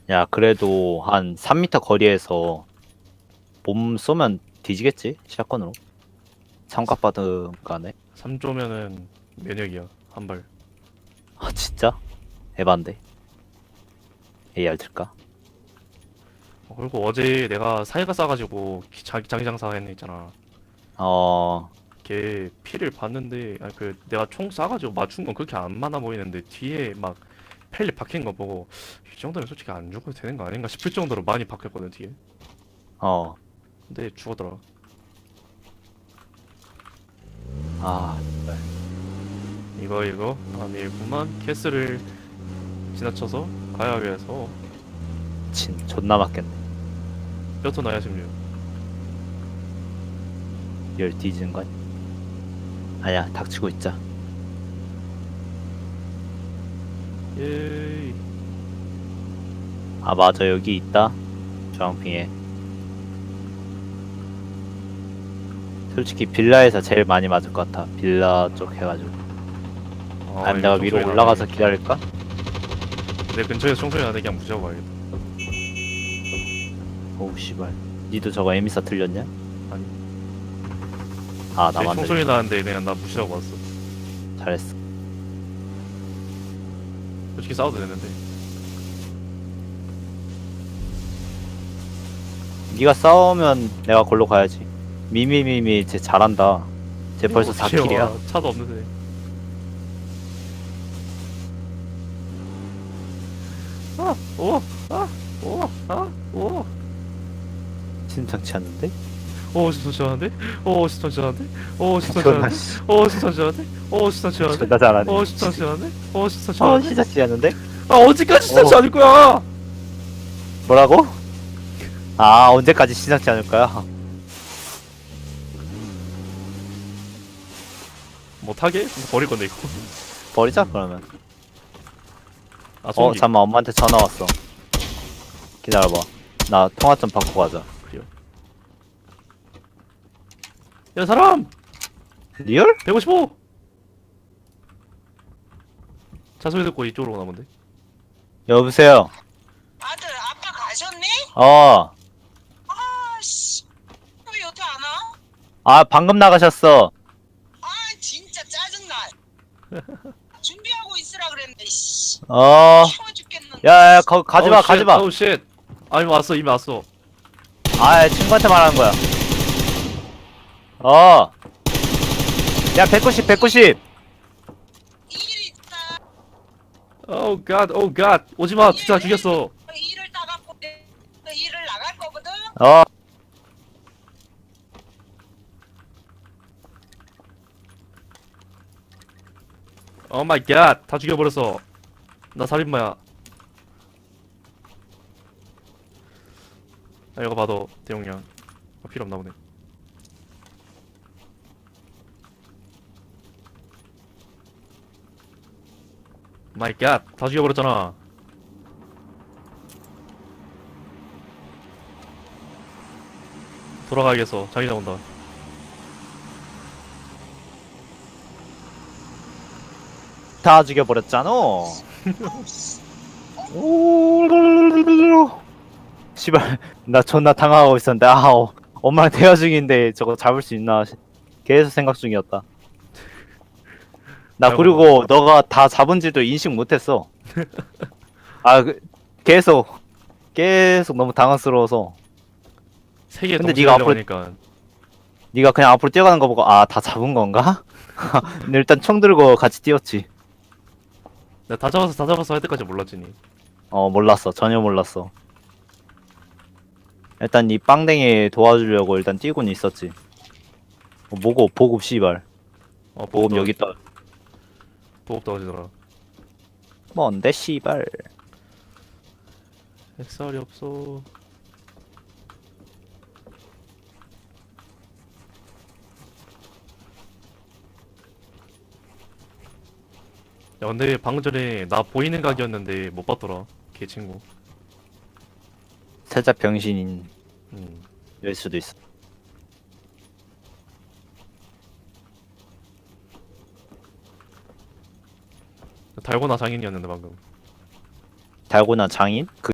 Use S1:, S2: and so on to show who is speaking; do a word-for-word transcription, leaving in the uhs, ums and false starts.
S1: 야, 그래도 한 삼 미터 거리에서 몸 쏘면 뒤지겠지? 샷건으로. 삼각받은 거네.
S2: 삼 조면은 면역이야. 한 발.
S1: 아, 진짜? 에반데. 에이알 들까?
S2: 어, 그리고 어제 내가 사이가 싸가지고 기- 자기 자기 장사 했네 있잖아.
S1: 어,
S2: 걔 피를 봤는데 아니 그 내가 총 쏴가지고 맞춘 건 그렇게 안 많아 보이는데 뒤에 막 펠리 박힌 거 보고 이 정도면 솔직히 안 죽어도 되는 거 아닌가 싶을 정도로 많이 박혔거든 뒤에.
S1: 어.
S2: 근데 죽었더라.
S1: 아,
S2: 이거 이거 아니구만. 캐스를 지나쳐서 가야 해서
S1: 진, 존나 맞겠네.
S2: 뼈터 나야 십육.
S1: 열 뒤지는 거 아니야? 아니야, 닥치고 있자.
S2: 예이.
S1: 아, 맞아, 여기 있다. 주황핑에. 솔직히 빌라에서 제일 많이 맞을 것 같아. 빌라 쪽 해가지고.
S2: 아,
S1: 아니면
S2: 이거
S1: 내가 위로
S2: 총소리
S1: 올라가서
S2: 나네.
S1: 기다릴까?
S2: 내 근처에서 총소리 나는데 그냥 무시하고 가야겠다.
S1: 오우, 씨발. 니도 저거 에미사 틀렸냐?
S2: 아니.
S1: 아,
S2: 내
S1: 나만
S2: 총소리
S1: 들렸어.
S2: 나는데 그냥 나 무시하고 왔어.
S1: 잘했어.
S2: 솔직히 싸워도 되는데.
S1: 니가 싸우면 내가 골로 가야지. 미미미미 쟤 잘한다. 쟤 벌써
S2: 오,
S1: 사 킬이야.
S2: 귀여워. 차도 없는데. 아, 오, 아, 오, 아, 오.
S1: 심상치 않는데?
S2: 오, 심상치 않은데? 오, 심상치 않은데? 오, 심상치
S1: 존나
S2: 않은데?
S1: 씨.
S2: 오, 심상치 않은데? 오, 심상치 않은데?
S1: 존나 잘하네.
S2: 오, 심상치 않은데? 오, 심상치
S1: 어,
S2: 않은데?
S1: 심상치 않는데?
S2: 아, 언제까지 심상치
S1: 오.
S2: 않을 거야?
S1: 뭐라고? 아, 언제까지 심상치 않을 거야?
S2: 못하게? 버릴 건데, 이거.
S1: 버리자, 그러면.
S2: 아,
S1: 어,
S2: 소음기.
S1: 잠깐만, 엄마한테 전화 왔어. 기다려봐. 나 통화 좀 받고 가자.
S2: 그래요. 야, 사람!
S1: 리얼?
S2: 백오십오! 차 소리 듣고 이쪽으로 오나 본데?
S1: 여보세요?
S3: 아들, 아빠 가셨니?
S1: 어,
S3: 아씨, 왜 여태 안 와?
S1: 아, 방금 나가셨어.
S3: 아, 진짜 짜증나. 준비하고 있으라 그랬는데, 씨.
S1: 어,
S3: 추워 죽겠는데.
S1: 야, 야, 거, 가지마,
S2: 어우, 쉣,
S1: 가지마.
S2: 어우, 쉣. 아, 이미 왔어, 이미 왔어.
S1: 아, 친구한테 말하는 거야. 어. 야, 백구십, 백구십.
S3: 일 있다.
S2: 오우 갓, 오우 갓. 오지마, 진짜 죽였어.
S3: 일을 따갖고 내- 그 일을 나갈 거거든?
S1: 어.
S2: 오 마이 갓, 다 죽여버렸어. 나 살인마야. 아, 이거 봐도 대용량. 아, 필요 없나 보네. 마이 갓, 다 죽여버렸잖아. 돌아가야겠어. 자기 나온다.
S1: 다 죽여버렸잖아. 씨발, 나 존나 당황하고 있었는데, 아, 어, 엄마랑 대화 중인데 저거 잡을 수 있나 시- 계속 생각 중이었다. 나
S2: 아이고.
S1: 그리고 너가 다 잡은지도 인식 못했어. 아, 그, 계속 계속 너무 당황스러워서.
S2: 세개
S1: 근데
S2: 동시에
S1: 네가 앞으로
S2: 달려가니까.
S1: 네가 그냥 앞으로 뛰어가는 거 보고 아, 다 잡은 건가? 근데 일단 총 들고 같이 뛰었지.
S2: 내가 다 잡아서 다 잡아서 할 때까지 몰랐지 니.
S1: 어, 몰랐어. 전혀 몰랐어. 일단 이 빵댕이 도와주려고 일단 뛰고는 있었지. 어, 뭐고 보급 씨발.
S2: 어,
S1: 보급
S2: 보급
S1: 여기 있다.
S2: 보급 떨어지더라.
S1: 뭔데 씨발.
S2: 햇살이 없어. 야, 근데 방금 전에 나 보이는 각이었는데 못 봤더라. 걔 친구.
S1: 살짝 병신인
S2: 음.
S1: 일 수도 있어.
S2: 달고나 장인이었는데 방금.
S1: 달고나 장인? 그